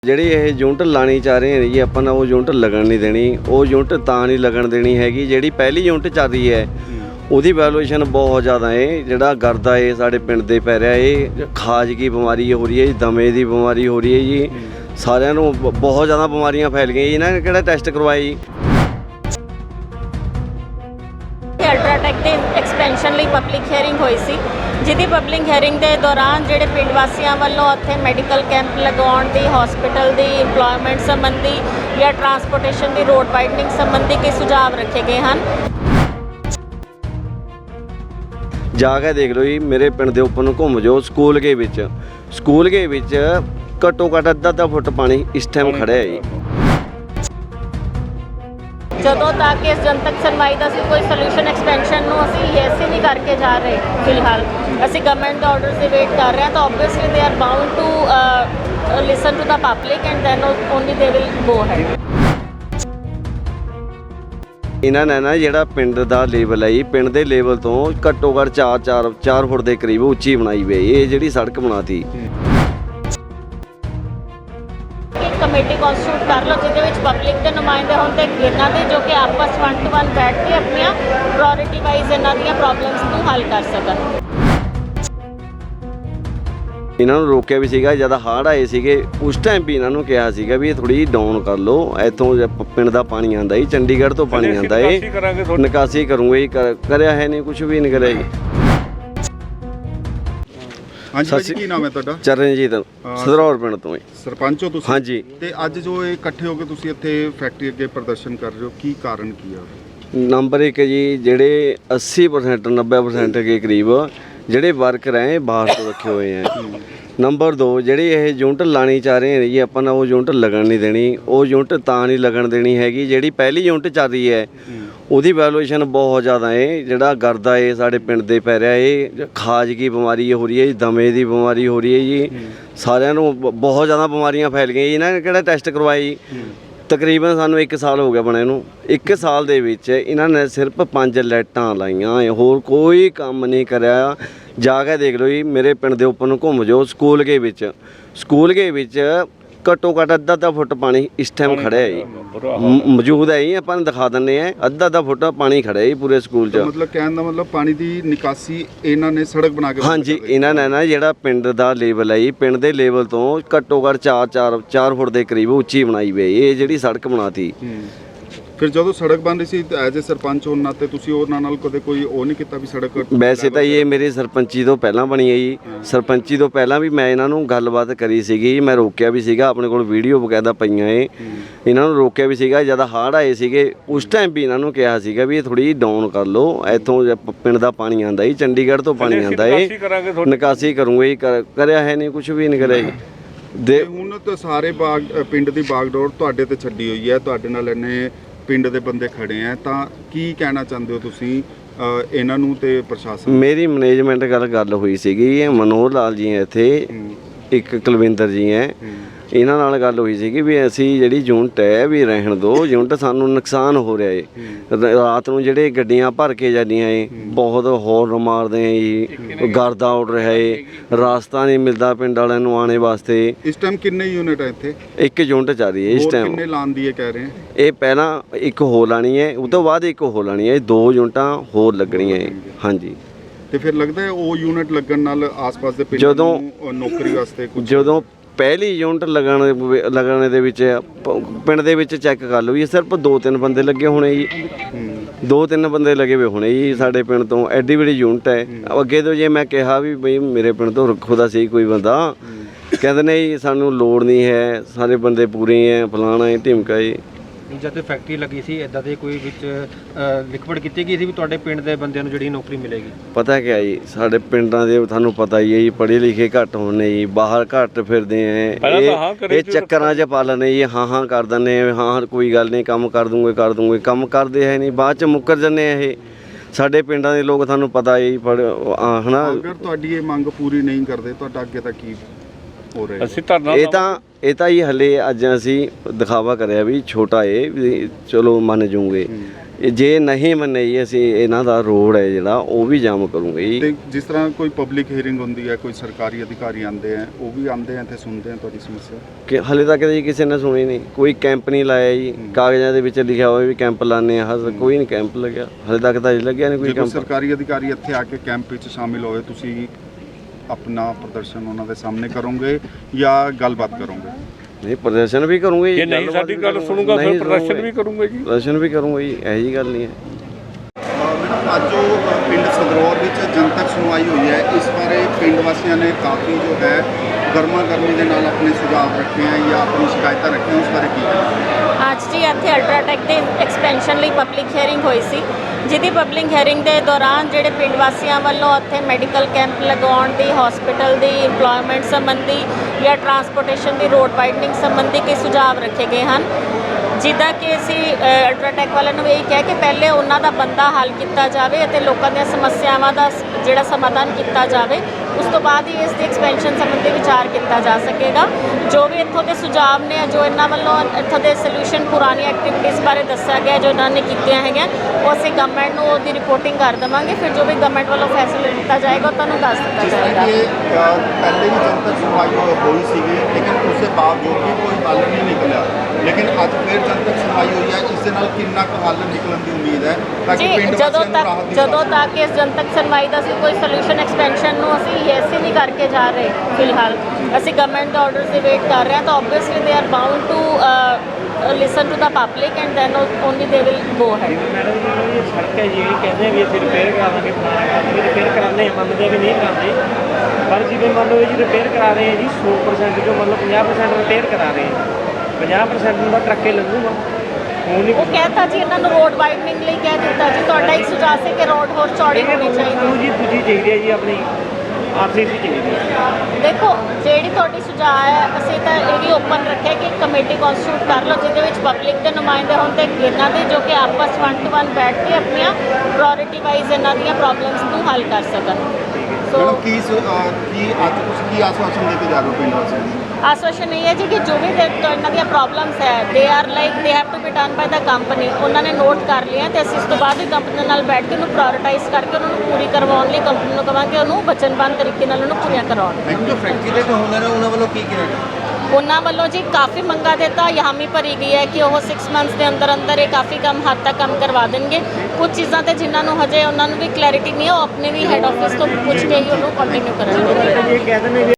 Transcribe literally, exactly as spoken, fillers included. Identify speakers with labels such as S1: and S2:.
S1: ਜਿਹੜੀ ਇਹ ਯੂਨਿਟ ਲਾਣੀ ਚਾਹ ਰਹੇ ਨੇ ਜੀ ਆਪਾਂ ਨੂੰ ਉਹ ਯੂਨਿਟ ਲੱਗਣ ਨਹੀਂ ਦੇਣੀ। ਉਹ ਯੂਨਿਟ ਤਾਂ ਨਹੀਂ ਲੱਗਣ ਦੇਣੀ ਹੈਗੀ ਜਿਹੜੀ ਪਹਿਲੀ ਯੂਨਿਟ ਚੱਲ ਰਹੀ ਹੈ ਉਹਦੀ ਵੈਲੂਏਸ਼ਨ ਬਹੁਤ ਜ਼ਿਆਦਾ ਹੈ। ਜਿਹੜਾ ਗਰਦਾ ਹੈ ਸਾਡੇ ਪਿੰਡ ਦੇ ਪੈ ਰਿਹਾ ਇਹ ਖਾਜ ਕੀ ਬਿਮਾਰੀ ਹੋ ਰਹੀ ਹੈ ਜੀ, ਦਮੇ ਦੀ ਬਿਮਾਰੀ ਹੋ ਰਹੀ ਹੈ ਜੀ, ਸਾਰਿਆਂ ਨੂੰ ਬਹੁਤ ਜ਼ਿਆਦਾ ਬਿਮਾਰੀਆਂ ਫੈਲ ਗਈਆਂ ਜੀ। ਇਹਨਾਂ ਨੇ ਕਿਹੜਾ ਟੈਸਟ ਕਰਵਾਇਆ ਜੀ?
S2: ਅਲਟਰਾਟੈਕ ਦੇ ਐਕਸਪੈਂਸ਼ਨ ਲਈ ਪਬਲਿਕ ਹੀਅਰਿੰਗ ਹੋਈ ਸੀ, ਜਿਹਦੀ ਪਬਲਿਕ ਹੀਅਰਿੰਗ ਦੇ ਦੌਰਾਨ ਜਿਹੜੇ ਪਿੰਡ ਵਾਸੀਆਂ ਵੱਲੋਂ ਉੱਥੇ ਮੈਡੀਕਲ ਕੈਂਪ ਲਗਾਉਣ ਦੀ, ਹਸਪੀਟਲ ਦੀ ਇੰਪਲੋਇਮੈਂਟ ਸੰਬੰਧੀ ਜਾਂ ਟਰਾਂਸਪੋਰਟੇਸ਼ਨ ਦੀ ਰੋਡ ਵਾਈਡਨਿੰਗ ਸੰਬੰਧੀ ਕਈ ਸੁਝਾਅ ਰੱਖੇ ਗਏ ਹਨ।
S1: ਜਾ ਕੇ ਦੇਖ ਲਓ ਜੀ, ਮੇਰੇ ਪਿੰਡ ਦੇ ਉੱਪਰ ਨੂੰ ਘੁੰਮ ਜਾਓ, ਸਕੂਲ ਦੇ ਵਿੱਚ ਸਕੂਲ ਦੇ ਵਿੱਚ ਘੱਟੋ ਘੱਟ ਅੱਧਾ ਅੱਧਾ ਫੁੱਟ ਪਾਣੀ ਇਸ ਟਾਈਮ ਖੜ੍ਹਾ ਹੈ ਜੀ।
S2: ਜਦੋਂ ਤੱਕ ਇਸ ਜਨਤਕ ਸੁਣਵਾਈ ਦਾ ਅਸੀਂ ਕੋਈ ਸੋਲੂਸ਼ਨ ਐਕਸਪੈਂਸ਼ਨ ਨੂੰ ਅਸੀਂ ਯੈਸ ਹੀ ਨਹੀਂ ਕਰਕੇ ਜਾ ਰਹੇ, ਫਿਲਹਾਲ ਅਸੀਂ ਗਵਰਨਮੈਂਟ ਦੇ ਆਰਡਰਸ ਦੀ ਵੇਟ ਕਰ ਰਹੇ ਹਾਂ। ਤਾਂ obviously they are bound to listen to the public and then only they will go head.
S1: ਇਹਨਾਂ ਨੇ ਨਾ ਜਿਹੜਾ ਪਿੰਡ ਦਾ ਲੈਵਲ ਹੈ ਜੀ, ਪਿੰਡ ਦੇ ਲੈਵਲ ਤੋਂ ਘੱਟੋ ਘੱਟ ਚਾਰ ਚਾਰ ਚਾਰ ਫੁੱਟ ਦੇ ਕਰੀਬ ਉੱਚੀ ਬਣਾਈ ਹੋਈ ਇਹ ਜਿਹੜੀ ਸੜਕ ਬਣਾਤੀ।
S2: ਕਮੇਟੀ ਕਨਸਟੀਟਿਊਟ ਕਰ ਲਓ ਜਿਹਦੇ ਵਿੱਚ ਪਬਲਿਕ ਦੇ ਨੁਮਾਇੰਦੇ ਹੋਣ ਤੇ ਇਹਨਾਂ ਦੇ ਜੋ ਕਿ ਆਪਸ ਵਨ ਟੂ ਵਨ ਬੈਠ ਕੇ ਆਪਣੀਆਂ ਪ੍ਰਾਇੋਰਟੀ ਵਾਈਜ਼ ਇਹਨਾਂ ਦੀਆਂ ਪ੍ਰੋਬਲਮਸ ਨੂੰ ਹੱਲ ਕਰ ਸਕਣ।
S1: ਇਹਨਾਂ ਨੂੰ ਰੋਕਿਆ ਵੀ ਸੀਗਾ ਜਦੋਂ ਹੜ੍ਹ ਆਏ ਸੀਗੇ, ਉਸ ਟਾਈਮ ਵੀ ਇਹਨਾਂ ਨੂੰ ਕਿਹਾ ਸੀਗਾ ਵੀ ਇਹ ਥੋੜੀ ਡਾਊਨ ਕਰ ਲਓ, ਇੱਥੋਂ ਪਿੰਡ ਦਾ ਪਾਣੀ ਆਉਂਦਾ ਜੀ, ਚੰਡੀਗੜ੍ਹ ਤੋਂ ਪਾਣੀ ਆਉਂਦਾ ਇਹ ਨਿਕਾਸੀ ਕਰੂੰਗੇ ਜੀ। ਕਰਿਆ ਹੈ ਨਹੀਂ, ਕੁਝ ਵੀ ਨਹੀਂ ਕਰਿਆ ਜੀ।
S3: ਹਾਂਜੀ ਭਾਜੀ, ਕੀ ਨਾਮ ਹੈ ਤੁਹਾਡਾ?
S1: ਚਰਨਜੀਤ, ਸਦਰੌਰ ਪਿੰਡ ਤੋਂ ਜੀ।
S3: ਸਰਪੰਚ ਹੋ ਤੁਸੀਂ?
S1: ਹਾਂਜੀ।
S3: ਤੇ ਅੱਜ ਜੋ ਇਹ ਇਕੱਠੇ ਹੋ ਕੇ ਤੁਸੀਂ ਇੱਥੇ ਫੈਕਟਰੀ ਅੱਗੇ ਪ੍ਰਦਰਸ਼ਨ ਕਰ ਰਹੇ ਹੋ, ਕੀ ਕਾਰਨ ਕੀ ਆ?
S1: ਨੰਬਰ ਇੱਕ ਜੀ, ਜਿਹੜੇ ਅੱਸੀ ਪਰਸੈਂਟ ਨੱਬੇ ਪਰਸੈਂਟ ਦੇ ਕਰੀਬ ਜਿਹੜੇ ਵਰਕਰ ਹੈ ਬਾਹਰ ਤੋਂ ਰੱਖੇ ਹੋਏ ਹੈ। ਨੰਬਰ ਦੋ, ਜਿਹੜੀ ਇਹ ਯੂਨਿਟ ਲਾਣੀ ਚਾਹ ਰਹੇ ਨੇ ਜੀ ਆਪਾਂ ਨੂੰ ਉਹ ਯੂਨਿਟ ਲੱਗਣ ਨਹੀਂ ਦੇਣੀ। ਉਹ ਯੂਨਿਟ ਤਾਂ ਨਹੀਂ ਲੱਗਣ ਦੇਣੀ ਹੈਗੀ ਜਿਹੜੀ ਪਹਿਲੀ ਯੂਨਿਟ ਚੱਲ ਰਹੀ ਹੈ ਉਹਦੀ ਵੈਲੂਏਸ਼ਨ ਬਹੁਤ ਜ਼ਿਆਦਾ ਹੈ। ਜਿਹੜਾ ਗਰਦਾ ਹੈ ਸਾਡੇ ਪਿੰਡ ਦੇ ਪੈ ਰਿਹਾ ਇਹ ਖਾਜ ਕੀ ਬਿਮਾਰੀ ਹੋ ਰਹੀ ਹੈ ਜੀ, ਦਮੇ ਦੀ ਬਿਮਾਰੀ ਹੋ ਰਹੀ ਹੈ ਜੀ, ਸਾਰਿਆਂ ਨੂੰ ਬਹੁਤ ਜ਼ਿਆਦਾ ਬਿਮਾਰੀਆਂ ਫੈਲ ਗਈਆਂ ਜੀ। ਇਹਨਾਂ ਨੇ ਕਿਹੜਾ ਟੈਸਟ ਕਰਵਾਇਆ ਜੀ? ਤਕਰੀਬਨ ਸਾਨੂੰ ਇੱਕ ਸਾਲ ਹੋ ਗਿਆ ਬਣੇ ਨੂੰ। ਇੱਕ ਸਾਲ ਦੇ ਵਿੱਚ ਇਹਨਾਂ ਨੇ ਸਿਰਫ ਪੰਜ ਲਾਈਟਾਂ ਲਾਈਆਂ, ਹੋਰ ਕੋਈ ਕੰਮ ਨਹੀਂ ਕਰਿਆ। ਜਾ ਕੇ ਦੇਖ ਲਓ ਜੀ, ਮੇਰੇ ਪਿੰਡ ਦੇ ਉੱਪਰ ਨੂੰ ਘੁੰਮ ਜਾਓ, ਸਕੂਲ ਦੇ ਵਿੱਚ ਸਕੂਲ ਦੇ ਵਿੱਚ ਘੱਟੋ ਘੱਟ ਅੱਧਾ ਅੱਧਾ ਫੁੱਟ ਪਾਣੀ ਇਸ ਟਾਈਮ ਖੜ੍ਹਾ ਹੈ ਜੀ, ਮੌਜੂਦ ਹੈ ਜੀ। ਆਪਾਂ ਨੂੰ ਦਿਖਾ ਦਿੰਦੇ ਹਾਂ, ਅੱਧਾ ਅੱਧਾ ਫੁੱਟ ਪਾਣੀ ਖੜ੍ਹਾ ਹੈ ਜੀ ਪੂਰੇ ਸਕੂਲ 'ਚ।
S3: ਮਤਲਬ ਕਹਿਣ ਦਾ ਮਤਲਬ ਪਾਣੀ ਦੀ ਨਿਕਾਸੀ ਇਹਨਾਂ ਨੇ ਸੜਕ ਬਣਾ ਕੇ?
S1: ਹਾਂਜੀ, ਇਹਨਾਂ ਨੇ ਨਾ ਜਿਹੜਾ ਪਿੰਡ ਦਾ ਲੈਵਲ ਹੈ ਜੀ, ਪਿੰਡ ਦੇ ਲੈਵਲ ਤੋਂ ਘੱਟੋ ਘੱਟ ਚਾਰ ਚਾਰ ਚਾਰ ਫੁੱਟ ਦੇ ਕਰੀਬ ਉੱਚੀ ਬਣਾਈ ਹੋਈ ਇਹ ਜਿਹੜੀ ਸੜਕ ਬਣਾਤੀ।
S3: ਫਿਰ ਜਦੋਂ ਸੜਕ ਬਣ ਰਹੀ ਸੀ ਐਜ਼ ਏ ਸਰਪੰਚ ਹੋਣ ਨਾਤੇ ਤੁਸੀਂ ਉਹਨਾਂ ਨਾਲ ਕਦੇ ਕੋਈ ਉਹ ਨਹੀਂ ਕੀਤਾ ਵੀ ਸੜਕ?
S1: ਵੈਸੇ ਤਾਂ ਇਹ ਮੇਰੀ ਸਰਪੰਚੀ ਤੋਂ ਪਹਿਲਾਂ ਬਣੀ ਹੈ ਜੀ। ਸਰਪੰਚੀ ਤੋਂ ਪਹਿਲਾਂ ਵੀ ਮੈਂ ਇਹਨਾਂ ਨੂੰ ਗੱਲਬਾਤ ਕਰੀ ਸੀਗੀ, ਮੈਂ ਰੋਕਿਆ ਵੀ ਸੀਗਾ, ਆਪਣੇ ਕੋਲ ਵੀਡੀਓ ਵਗੈਰਾ ਪਈਆਂ ਏ। ਇਹਨਾਂ ਨੂੰ ਰੋਕਿਆ ਵੀ ਸੀਗਾ ਜਦੋਂ ਹੜ੍ਹ ਆਏ ਸੀਗੇ, ਉਸ ਟਾਈਮ ਵੀ ਇਹਨਾਂ ਨੂੰ ਕਿਹਾ ਸੀਗਾ ਵੀ ਇਹ ਥੋੜੀ ਡਾਊਨ ਕਰ ਲਓ, ਇੱਥੋਂ ਪਿੰਡ ਦਾ ਪਾਣੀ ਆਉਂਦਾ ਜੀ, ਚੰਡੀਗੜ੍ਹ ਤੋਂ ਪਾਣੀ ਆਉਂਦਾ ਇਹ ਨਿਕਾਸੀ ਕਰੂੰਗੇ ਜੀ। ਕਰਿਆ ਹੈ ਨਹੀਂ, ਕੁਝ ਵੀ ਨਹੀਂ ਕਰਿਆ ਜੀ।
S3: ਦੇ ਹੁਣ ਤਾਂ ਸਾਰੇ ਬਾਗ ਪਿੰਡ ਦੀ ਬਾਗਡੋਰ ਤੁਹਾਡੇ ਤੇ ਛੱਡੀ ਹੋਈ ਹੈ, ਤੁਹਾਡੇ ਨਾਲ ਇੰਨੇ ਪਿੰਡ ਦੇ ਬੰਦੇ ਖੜੇ ਆ, ਤਾਂ ਕੀ ਕਹਿਣਾ ਚਾਹੁੰਦੇ ਹੋ ਤੁਸੀਂ ਇਹਨਾਂ ਨੂੰ ਤੇ ਪ੍ਰਸ਼ਾਸਨ? ਮੇਰੀ ਮੈਨੇਜਮੈਂਟ ਗੱਲ ਗੱਲ ਹੋਈ ਸੀਗੀ, ਮਨੋਹਰ ਲਾਲ ਜੀ ਹੈ ਇੱਥੇ, ਇੱਕ ਕੁਲਵਿੰਦਰ ਜੀ ਹੈ, ਇਹਨਾਂ ਨਾਲ ਗੱਲ ਹੋਈ ਸੀਗੀ ਵੀ ਅਸੀਂ ਜਿਹੜੀ ਯੂਨਿਟ ਹੈ ਵੀ ਰਹਿਣ ਦਿਓ, ਯੂਨਿਟ ਸਾਨੂੰ ਨੁਕਸਾਨ ਹੋ ਰਿਹਾ ਹੈ। ਰਾਤ ਨੂੰ ਜਿਹੜੇ ਗੱਡੀਆਂ ਭਰ ਕੇ ਜਾਂਦੀਆਂ ਏ ਬਹੁਤ ਹੌਰਨ ਮਾਰਦੇ ਆ ਜੀ, ਗਰਦਾ ਉੱਡ ਰਿਹਾ ਏ, ਰਾਸਤਾ ਨਹੀਂ ਮਿਲਦਾ ਪਿੰਡ ਵਾਲਿਆਂ ਨੂੰ ਆਉਣੇ ਵਾਸਤੇ। ਇਸ ਟਾਈਮ ਕਿੰਨੇ ਯੂਨਿਟ ਹੈ ਇੱਥੇ? ਇੱਕ
S1: ਯੂਨਿਟ ਚੱਲ ਰਹੀ ਹੈ ਇਸ ਟਾਈਮ।
S3: ਕਿੰਨੇ ਲਾਉਣ ਦੀ ਇਹ ਕਹਿ ਰਹੇ?
S1: ਇਹ ਪਹਿਲਾਂ ਇੱਕ ਹੋਰ ਲਾਣੀ ਹੈ, ਉਸ ਤੋਂ ਬਾਅਦ ਇੱਕ ਹੋਰ ਲਾਣੀ ਹੈ, ਦੋ ਯੂਨਿਟਾਂ ਹੋਰ ਲੱਗਣੀਆਂ ਹੈ। ਹਾਂਜੀ।
S3: ਤੇ ਫਿਰ ਲੱਗਦਾ ਹੈ ਉਹ ਯੂਨਿਟ ਲੱਗਣ ਨਾਲ ਆਸ-ਪਾਸ ਦੇ ਪਿੰਡ ਨੂੰ ਨੌਕਰੀ ਵਾਸਤੇ ਕੁਝ? ਜਦੋਂ
S1: ਪਹਿਲੀ ਯੂਨਿਟ ਲਗਾਉਣ ਲਗਾਉਣੇ ਦੇ ਵਿੱਚ ਪਿੰਡ ਦੇ ਵਿੱਚ ਚੈੱਕ ਕਰ ਲਓ ਜੀ, ਸਿਰਫ ਦੋ ਤਿੰਨ ਬੰਦੇ ਲੱਗੇ ਹੋਣੇ ਜੀ, ਦੋ ਤਿੰਨ ਬੰਦੇ ਲੱਗੇ ਹੋਏ ਹੋਣੇ ਜੀ ਸਾਡੇ ਪਿੰਡ ਤੋਂ। ਐਡੀ ਵੱਡੀ ਯੂਨਿਟ ਹੈ। ਅੱਗੇ ਤੋਂ ਜੇ ਮੈਂ ਕਿਹਾ ਵੀ ਬਈ ਮੇਰੇ ਪਿੰਡ ਤੋਂ ਰੱਖੋ ਦਾ ਸੀ ਕੋਈ ਬੰਦਾ, ਕਹਿੰਦੇ ਨਹੀਂ ਸਾਨੂੰ ਲੋੜ ਨਹੀਂ ਹੈ, ਸਾਰੇ ਬੰਦੇ ਪੂਰੇ ਹੈ, ਫਲਾਣਾ ਹੈ, ਢਿਮਕਾ ਹੈ।
S4: ਜਦ ਫੈਕਟਰੀ ਲੱਗੀ ਸੀ ਇੱਦਾਂ ਦੇ ਕੋਈ ਵਿੱਚ ਲਿਕਵਿਡ ਕੀਤੀ ਗਈ ਸੀ ਵੀ ਤੁਹਾਡੇ ਪਿੰਡ ਦੇ ਬੰਦਿਆਂ ਨੂੰ ਜਿਹੜੀ ਨੌਕਰੀ ਮਿਲੇਗੀ?
S1: ਪਤਾ ਕਿਆ ਜੀ, ਸਾਡੇ ਪਿੰਡਾਂ ਦੇ ਤੁਹਾਨੂੰ ਪਤਾ ਹੀ ਹੈ ਜੀ, ਪੜ੍ਹੇ ਲਿਖੇ ਘੱਟ ਹੋਣੇ ਜੀ, ਬਾਹਰ ਘੱਟ ਫਿਰਦੇ ਆ, ਇਹ ਇਹ ਚੱਕਰਾਂ 'ਚ ਪਾ ਲੈਂਦੇ ਜੀ, ਹਾਂ ਹਾਂ ਕਰ ਦਿੰਦੇ ਹਾਂ ਕੋਈ ਗੱਲ ਨਹੀਂ, ਕੰਮ ਕਰ ਦੂੰਗੇ ਕਰ ਦੂੰਗੇ, ਕੰਮ ਕਰਦੇ ਹੈ ਨਹੀਂ, ਬਾਅਦ 'ਚ ਮੁੱਕਰ ਜਾਂਦੇ ਆ। ਇਹ ਸਾਡੇ ਪਿੰਡਾਂ ਦੇ ਲੋਕ ਤੁਹਾਨੂੰ ਪਤਾ ਹੈ ਜੀ, ਹੈ ਨਾ।
S3: ਅਗਰ ਤੁਹਾਡੀ ਇਹ ਮੰਗ ਪੂਰੀ ਨਹੀਂ ਕਰਦੇ ਤੁਹਾਡਾ ਅੱਗੇ ਤਾਂ ਕੀ ਹੋ ਰਿਹਾ?
S1: ਅਸੀਂ ਧਰਨਾ ਇਹ ਤਾਂ ਇਹ ਤਾਂ ਜੀ ਹਲੇ ਅੱਜ ਅਸੀਂ ਦਿਖਾਵਾ ਕਰਿਆ ਵੀ ਛੋਟਾ ਏ ਵੀ ਚਲੋ ਮੰਨ ਜੂਗੇ। ਇਹ ਜੇ ਨਹੀਂ ਮੰਨੇ ਜੀ ਅਸੀਂ ਇਹਨਾਂ ਦਾ ਰੋਡ ਹੈ ਜਿਹੜਾ ਉਹ ਵੀ ਜਾਮ ਕਰੂੰਗੇ ਜੀ।
S3: ਤੇ ਜਿਸ ਤਰ੍ਹਾਂ ਕੋਈ ਪਬਲਿਕ ਹੀਅਰਿੰਗ ਹੁੰਦੀ ਹੈ, ਕੋਈ ਸਰਕਾਰੀ ਅਧਿਕਾਰੀ ਆਉਂਦੇ ਆ, ਉਹ ਵੀ ਆਉਂਦੇ ਆ ਤੇ ਸੁਣਦੇ ਆ ਤੁਹਾਡੀ ਸਮੱਸਿਆ?
S1: ਕਿ ਹਲੇ ਤੱਕ ਜੀ ਕਿਸੇ ਨੇ ਸੁਣੀ ਨਹੀਂ, ਕੋਈ ਕੈਂਪ ਨਹੀਂ ਲਾਇਆ ਜੀ। ਕਾਗਜ਼ਾਂ ਦੇ ਵਿੱਚ ਲਿਖਿਆ ਹੋਇਆ ਵੀ ਕੈਂਪ ਲਾਣੇ ਆ, ਹਜੇ ਕੋਈ ਨਹੀਂ ਕੈਂਪ ਲੱਗਿਆ, ਹਲੇ ਤੱਕ ਤਾਂ ਜੀ ਲੱਗਿਆ ਨਹੀਂ ਕੋਈ
S3: ਜਦੋਂ
S1: ਕੈਂਪ।
S3: ਸਰਕਾਰੀ ਅਧਿਕਾਰੀ ਇੱਥੇ ਆ ਕੇ ਕੈਂਪ ਵਿੱਚ ਸ਼ਾਮਿਲ ਹੋਏ, ਤੁਸੀਂ ਆਪਣਾ ਪ੍ਰਦਰਸ਼ਨ ਉਹਨਾਂ ਦੇ ਸਾਹਮਣੇ ਕਰੋਗੇ ਜਾਂ ਗੱਲਬਾਤ ਕਰੋਗੇ?
S1: ਨਹੀਂ, ਪ੍ਰਦਰਸ਼ਨ ਵੀ ਕਰੂੰਗੇ ਜੀ।
S5: ਜੇ ਨਹੀਂ
S1: ਗੱਲਬਾਤ
S5: ਸਾਡੀ
S1: ਵੀ
S5: ਗੱਲ
S1: ਕਰੂੰਗੇ।
S5: ਸੁਣੂਗਾ ਫਿਰ
S1: ਨਹੀਂ
S5: ਪ੍ਰਦਰਸ਼ਨ
S1: ਸੁਣੂਗੇ।
S5: ਵੀ ਕਰੂੰਗੇ ਜੀ।
S1: ਪ੍ਰਦਰਸ਼ਨ ਵੀ ਕਰੂੰਗੇ ਜੀ, ਇਹੋ ਜਿਹੀ ਗੱਲ ਨਹੀਂ ਹੈ।
S3: ਮੈਡਮ, ਅੱਜ ਜੋ ਪਿੰਡ ਸਦਰੌਰ ਵਿੱਚ ਜਨਤਕ ਸੁਣਵਾਈ ਹੋਈ ਹੈ, ਇਸ ਬਾਰੇ ਪਿੰਡ ਵਾਸੀਆਂ ਨੇ ਕਾਫੀ ਜੋ ਹੈ ਗਰਮਾ ਗਰਮੀ ਦੇ ਨਾਲ ਆਪਣੇ ਸੁਝਾਅ ਰੱਖੇ ਹੈ ਜਾਂ ਆਪਣੀ ਸ਼ਿਕਾਇਤਾਂ ਰੱਖੀਆਂ, ਉਸ ਬਾਰੇ ਕੀ ਕਹਿਣਾ?
S2: ਅੱਜ ਜੀ ਇੱਥੇ ਅਲਟਰਾਟੈਕ ਦੇ ਐਕਸਪੈਂਸ਼ਨ ਲਈ ਪਬਲਿਕ ਹੀਅਰਿੰਗ ਹੋਈ ਸੀ, ਜਿਹਦੀ ਪਬਲਿਕ ਹੀਅਰਿੰਗ ਦੇ ਦੌਰਾਨ ਜਿਹੜੇ ਪਿੰਡ ਵਾਸੀਆਂ ਵੱਲੋਂ ਉੱਥੇ ਮੈਡੀਕਲ ਕੈਂਪ ਲਗਾਉਣ ਦੀ, ਹਸਪੀਟਲ ਦੀ, ਇੰਪਲੋਇਮੈਂਟ ਸੰਬੰਧੀ ਜਾਂ ਟਰਾਂਸਪੋਰਟੇਸ਼ਨ ਦੀ, ਰੋਡ ਵਾਈਡਨਿੰਗ ਸੰਬੰਧੀ ਕਈ ਸੁਝਾਅ ਰੱਖੇ ਗਏ ਹਨ। ਜਿੱਦਾਂ ਕਿ ਅਸੀਂ ਅਲਟਰਾਟੈਕ ਵਾਲਿਆਂ ਨੂੰ ਇਹ ਕਿਹਾ ਕਿ ਪਹਿਲੇ ਉਹਨਾਂ ਦਾ ਬੰਦਾ ਹੱਲ ਕੀਤਾ ਜਾਵੇ ਅਤੇ ਲੋਕਾਂ ਦੀਆਂ ਸਮੱਸਿਆਵਾਂ ਦਾ ਸ- ਜਿਹੜਾ ਸਮਾਧਾਨ ਕੀਤਾ ਜਾਵੇ, ਉਸ ਤੋਂ ਬਾਅਦ ਹੀ ਇਸ ਦੀ ਐਕਸਪੈਂਸ਼ਨ ਸੰਬੰਧੀ ਵਿਚਾਰ ਕੀਤਾ ਜਾ ਸਕੇਗਾ। ਜੋ ਵੀ ਇੱਥੋਂ ਦੇ ਸੁਝਾਅ ਨੇ, ਜੋ ਇਹਨਾਂ ਵੱਲੋਂ ਇੱਥੋਂ ਦੇ ਸੋਲੂਸ਼ਨ ਪੁਰਾਣੀ ਐਕਟੀਵਿਟੀਜ਼ ਬਾਰੇ ਦੱਸਿਆ ਗਿਆ, ਜੋ ਇਹਨਾਂ ਨੇ ਕੀਤੀਆਂ ਹੈਗੀਆਂ, ਉਹ ਅਸੀਂ ਗਵਰਨਮੈਂਟ ਨੂੰ ਉਹਦੀ ਰਿਪੋਰਟਿੰਗ ਕਰ ਦੇਵਾਂਗੇ। ਫਿਰ ਜੋ ਵੀ ਗਵਰਨਮੈਂਟ ਵੱਲੋਂ ਫੈਸਲਾ ਲਿੱਤਾ ਜਾਏਗਾ ਉਹ ਤੁਹਾਨੂੰ ਦੱਸ ਦਿੱਤਾ
S3: ਜਿਸ ਤਰ੍ਹਾਂ
S2: ਜਾਏਗਾ।
S3: ਕਿ ਅ, ਪਹਿਲੇ ਵੀ ਜਨਤਕ ਸੁਣਵਾਈ ਹੋ- ਹੋਈ ਸੀਗੀ, ਲੇਕਿਨ ਉਸ ਦੇ ਬਾਵਜੂਦ ਵੀ ਕੋਈ ਹੱਲ ਨਹੀਂ ਨਿਕਲਿਆ, ਲੇਕਿਨ ਅੱਜ ਫਿਰ ਜਨਤਕ ਸੁਣਵਾਈ ਹੋਈ ਹੈ, ਇਸ ਦੇ ਨਾਲ ਕਿੰਨਾ ਕੁ ਹੱਲ ਨਿਕਲਣ ਦੀ ਉਮੀਦ ਹੈ ਤਾਂ ਕਿ
S2: ਜੀ
S3: ਪਿੰਡ
S2: ਜਦੋਂ
S3: ਵਾਸੀਆਂ ਨੂੰ
S2: ਤੱਕ
S3: ਰਾਹਤ ਦੀ
S2: ਜਦੋਂ ਤੱਕ ਇਸ ਜਨਤਕ ਸੁਣਵਾਈ ਦਾ ਅਸੀਂ ਕੋਈ ਸੋਲੂਸ਼ਨ ਐਕਸਪੈਂਸ਼ਨ ਨੂੰ ਅਸੀਂ ਯੈਸ ਹੀ ਨਹੀਂ ਕਰਕੇ ਜਾ ਰਹੇ, ਫਿਲਹਾਲ ਅਸੀਂ ਗਵਰਨਮੈਂਟ ਦੇ ਆਰਡਰਸ ਦੀ ਵੇਟ ਕਰ ਰਹੇ ਹਾਂ, ਤਾਂ obviously they are bound to listen to the public and then only they will go head.
S6: Madam ji ਇਹ ਸੜਕ ਹੈ ਜਿਹੜੀ ਕਹਿੰਦੇ ਆ ਵੀ ਅਸੀਂ ਰਿਪੇਅਰ ਕਰਾ ਦਾਂਗੇ, ਫਲਾਣਾ ਕਰਾ ਦਾਂਗੇ, ਰਿਪੇਅਰ ਕਰਾਉਂਦੇ ਹਾਂ, ਮੰਨਦੇ ਆ ਵੀ ਨਹੀਂ ਕਰਾਉਂਦੇ, ਪਰ ਜਿਵੇਂ ਮੰਨ ਲਓ ਜੀ ਰਿਪੇਅਰ ਕਰਾ ਰਹੇ ਆ ਜੀ ਸੌ ਪਰਸੈਂਟ ਜੋ ਮਤਲਬ ਪੰਜਾਹ ਪਰਸੈਂਟ ਰਿਪੇਅਰ ਕਰਾ ਰਹੇ ਆ, ਪੰਜਾਹ ਪਰਸੈਂਟ ਨੂੰ ਤਾਂ ਟਰੱਕੇ ਲੱਗੂਗਾ। ਹੁਣ ਨਹੀਂ
S2: ਉਹ ਕਹਿਤਾ ਜੀ ਇਹਨਾਂ ਨੂੰ ਰੋਡ ਵਾਈਡਨਿੰਗ ਲਈ ਕਹਿ ਦਿੱਤਾ ਜੀ, ਤੁਹਾਡਾ ਇੱਕ ਸੁਝਾਅ ਸੀ ਕਿ ਰੋਡ ਹੋਰ ਚੌੜੀ ਹੋਣੀ ਚਾਹੀਦੀ।
S6: ਸਾਨੂੰ ਜੀ ਦੂਜੀ ਚਾਹੀਦੀ ਹੈ ਜੀ, ਆਪਣੀ ਆਰਸੀਸੀ ਚਾਹੀਦੀ ਹੈ।
S2: ਦੇਖੋ ਜਿਹੜੀ ਤੁਹਾਡੀ ਸੁਝਾਅ ਹੈ, ਅਸੀਂ ਤਾਂ ਇਹ ਵੀ ਓਪਨ ਰੱਖਿਆ ਕਿ ਇੱਕ ਕਮੇਟੀ ਕਨਸਟੀਟਿਊਟ ਕਰ ਲਓ ਜਿਹਦੇ ਵਿੱਚ ਪਬਲਿਕ ਦੇ ਨੁਮਾਇੰਦੇ ਹੋਣ ਤੇ ਇਹਨਾਂ ਦੇ, ਜੋ ਕਿ ਆਪਸ ਵਨ ਟੂ ਵਨ ਬੈਠ ਕੇ ਆਪਣੀਆਂ ਪ੍ਰਾਇੋਰਟੀ ਵਾਈਜ਼ ਇਹਨਾਂ ਦੀਆਂ ਪ੍ਰੋਬਲਮਸ ਨੂੰ ਹੱਲ ਕਰ ਸਕਣ। ਸੋ
S3: ਮੈਡਮ, ਕੀ ਸ- ਅ, ਕੀ ਅੱਜ ਤੁਸੀਂ ਕੀ ਆਸ਼ਵਾਸਨ ਦੇ ਕੇ ਜਾ ਰਹੇ ਹੋ ਪਿੰਡ ਵਾਸੀਆਂ ਨੂੰ?
S2: ਆਸ਼ਵਾਸਨ ਇਹ ਹੈ ਜੀ ਕਿ ਜੋ ਵੀ ਦੇ- ਤੋਂ ਇਹਨਾਂ ਦੀਆਂ ਪ੍ਰੋਬਲਮਸ ਹੈ, they are like they have to be done by the company, ਉਹਨਾਂ ਨੇ ਨੋਟ ਕਰ ਲਿਆ ਤੇ ਅਸੀਂ ਇਸ ਤੋਂ ਬਾਅਦ ਹੀ ਕੰਪਨੀ ਨਾਲ ਬੈਠ ਕੇ ਉਹਨੂੰ ਪ੍ਰਾਇੋਰਟਾਈਜ਼ ਕਰਕੇ ਉਹਨਾਂ ਨੂੰ ਪੂਰੀ ਕਰਵਾਉਣ ਲਈ ਕੰਪਨੀ ਨੂੰ ਕਹਾਂਗੇ ਉਹਨੂੰ ਵਚਨਬੱਧ ਤਰੀਕੇ ਨਾਲ ਉਹਨੂੰ ਪੂਰੀਆਂ ਕਰਵਾਉਣ।
S3: ਜੋ ਫੈਕਟਰੀ ਦੇ ਹੁੰਦੇ ਨੇ ਉਹਨਾਂ ਵੱਲੋਂ ਕੀ ਕਿਹਾ?
S2: ਉਹਨਾਂ ਵੱਲੋਂ ਜੀ ਕਾਫੀ ਮੰਗਾਂ ਦੇ ਤਾਂ ਯਾਮੀ ਭਰੀ ਗਈ ਹੈ ਕਿ ਉਹ ਛੇ ਮੰਥਸ ਦੇ ਅੰਦਰ ਅੰਦਰ ਇਹ ਕਾਫੀ ਕੰਮ ਹੱਦ ਤੱਕ ਕੰਮ ਕਰਵਾ ਦੇਣਗੇ। ਕੁਝ ਚੀਜ਼ਾਂ ਤੇ ਜਿਨ੍ਹਾਂ ਨੂੰ ਹਜੇ ਉਹਨਾਂ ਨੂੰ ਵੀ ਕਲੈਰਿਟੀ ਨਹੀਂ ਹੈ, ਉਹ ਆਪਣੇ ਵੀ ਹੈੱਡ ਆਫਿਸ ਤੋਂ ਪੁੱਛ ਕੇ ਹੀ ਉਹਨੂੰ ਕੰਟੀਨਿਊ ਕਰਨਗੇ।
S6: ਇਹ ਕਹਿ ਦਿੰਦੇ ਵੀ